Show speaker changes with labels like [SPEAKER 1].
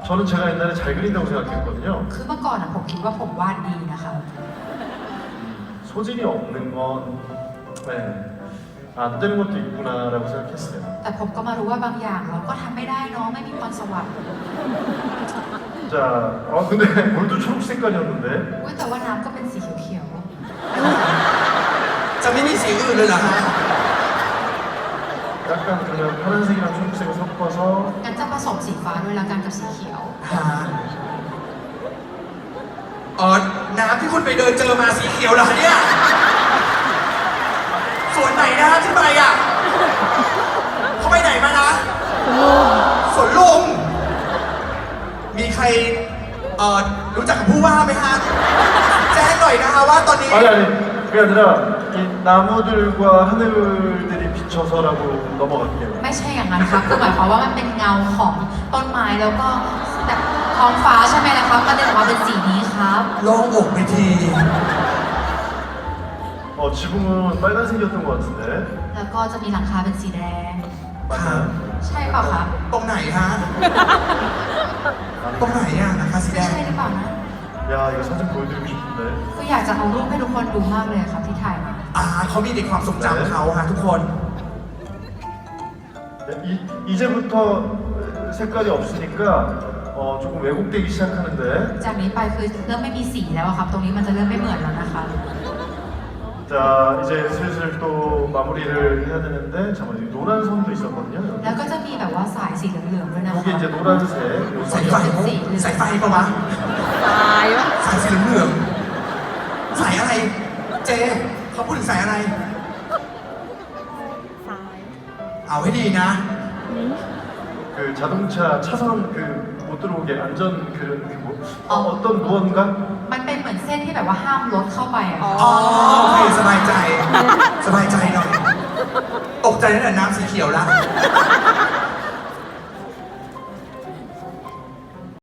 [SPEAKER 1] 저는 제가 옛날에 잘 그린다고 생각했거든요.
[SPEAKER 2] คือเมื่อก่อนผมคิดว่าผมวาดดีนะคะ
[SPEAKER 1] 소질이 없는 건 네, 안 되는 것도 있구나라고 생각했어요.
[SPEAKER 2] แต่ผมก็มารู้ว่าบางอย่างเราก็ทำไม่ได้เนาะไม่มีพรสวรรค์
[SPEAKER 1] 자, 근데 물도 초록 색깔이었는데
[SPEAKER 2] อุ๊ยแต่ว่าน้ำก็เป็นสีเขียว
[SPEAKER 3] จะไม่มีสีอื่นเลยเหรอฮะ
[SPEAKER 1] 약간 그냥 파란색이랑 초록색을 섞어서
[SPEAKER 2] ๆงั้นจะผสมสีฟ้าด้วยละกันกับสีเขียว
[SPEAKER 3] ฮะน้ำที่คุณไปเดินเจอมาสีเขียวเหรอคะเนี่ยส่วนไหนนะที่ไปอ่ะเขาไปไหนมานะสวนลุงมีใครรู้จักกับผู้ว่าไหมฮะแจ้งหน่อยนะคะว่าตอนนี้
[SPEAKER 1] 아니 그게 아니라 이 나무들과 하늘들이 비쳐서라고 넘어갈게요.
[SPEAKER 2] ไม่ใช่อย่างนั้นครับคือหมายความว่ามันเป็นเงาของต้นไม้แล้วก็แต่ท้องฟ้าใช่ไหมล่ะครับก็เดินออกมาเป็นสีนี้ครับ
[SPEAKER 3] โล่งอกไปที
[SPEAKER 1] 지붕은 빨간색이었던 것 같은데
[SPEAKER 2] แล้วก็จะมีหลังคาเป็นสีแดง
[SPEAKER 1] 맞나요?
[SPEAKER 2] ใช่เปล่าครับ
[SPEAKER 3] ตรงไหนฮะตรงไหนอ่ะนะคะสีแด
[SPEAKER 2] ไม่
[SPEAKER 3] ง
[SPEAKER 2] ใช่หรือเปล่านะ
[SPEAKER 1] 야 이거 사진 보여드리고 싶은데
[SPEAKER 2] คืออยากจะเอารูปให้ทุกคนดูมากเลยครับที่ถ่ายมา
[SPEAKER 3] เขามีในความทรงจำเขาฮะทุกคน
[SPEAKER 1] 네, 이제부터 색깔이 없으니까 조금 왜곡되기 시작하는데
[SPEAKER 2] จากนี้ไปคือเริ่มไม่มีสีแล้วอะครับ ตรงนี้มันจะเริ่มไม่เหมือนแล้วนะคะ
[SPEAKER 1] 자 이제 슬슬 또 마무리를 해야 되는데 잠깐만 여기 노란 선도 있었거든요
[SPEAKER 2] แล้ว
[SPEAKER 1] 여기.
[SPEAKER 2] ก็จะมีแบบว่าสายสีเหลืองๆด้วยนะคะ
[SPEAKER 1] 여기 이제 노란색 요
[SPEAKER 3] สายไฟ
[SPEAKER 1] 선이
[SPEAKER 3] สายไฟปะวะ
[SPEAKER 4] ตายวะ
[SPEAKER 3] สายสีเหลืองๆสายอะไร เจเขาพูดถึงสายอะไร
[SPEAKER 4] ตาย
[SPEAKER 3] เอาให้ดีนะ
[SPEAKER 1] 그 자동차 차선 그 못 들어오게 안전 그런 어떤 무언가
[SPEAKER 2] มันเป็นเหมือนเส้นที่แบบว่าห้ามรถเข้าไปอะ
[SPEAKER 4] อ๋อ
[SPEAKER 3] อ๋อโอเคสบายใจ สบายใจหน่อย ตกใจตั้งแต่น้ำสีเขียวแล้ว